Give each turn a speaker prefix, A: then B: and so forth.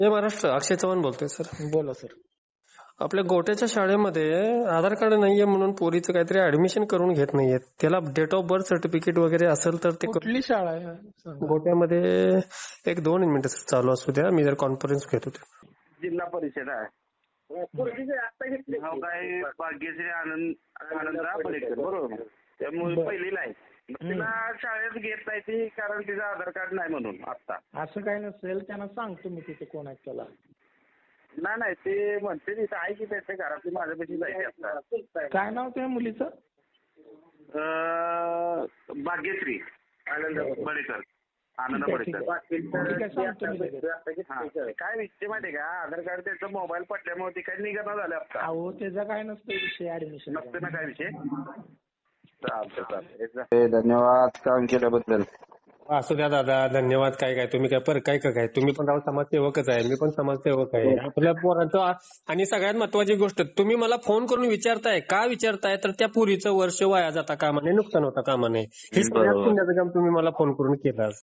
A: जय महाराष्ट्र. अक्षय चव्हाण बोलतोय सर.
B: बोला सर.
A: आपल्या गोट्याच्या शाळेमध्ये आधार कार्ड नाहीये म्हणून पोरीचं काहीतरी ऍडमिशन करून घेत नाहीयेत. त्याला डेट ऑफ बर्थ सर्टिफिकेट वगैरे असेल तर ते
B: कुठली शाळा आहे सांगा.
A: गोट्यामध्ये एक 2 मिनिटं चालू असू द्या, मी जर कॉन्फरन्स घेत होते.
C: जिल्हा परिषद आहे. हो काय भाग्यश्री आनंदराव पलेकर बरोबर. त्यामुळे पहिलीला आहे. तिला शाळेत घेत नाही ती कारण तिचं आधार कार्ड नाही म्हणून आता.
B: असं काही नसेल, त्यांना सांगतो मी तिथे कोण आहे त्याला.
C: नाही ते म्हणते तिथं आहे की त्याच्या घरातली माझ्यापाशी जायची आता.
B: काय नाव त्या मुलीचं?
C: भाग्यश्री आनंद पलेकर. आनंद
B: ठीक
C: पलेकर.
B: आहे, सांगतो मी लगेच.
C: काय विषय माहितीये का, आधार कार्ड त्याचं मोबाईल पडल्यामुळे ती काही निघणं झालं आता.
B: अहो त्याचा काय नसतं विषय ऍडमिशन.
C: नसते ना काय विषय. चालतं. धन्यवाद काम केल्याबद्दल.
A: असू द्या दादा, धन्यवाद. काय तुम्ही काय तुम्ही पण राव समाजसेवकच आहे, मी पण समाजसेवक आहे. आपल्या पोरांचं आणि सगळ्यात महत्वाची गोष्ट, तुम्ही मला फोन करून विचारताय का विचारताय तर त्या पुरीचं वर्ष वाया जाता कामा नये, नुकसान होता कामा नये. हे सगळ्यात पुण्याचं काम तुम्ही मला फोन करून केलं.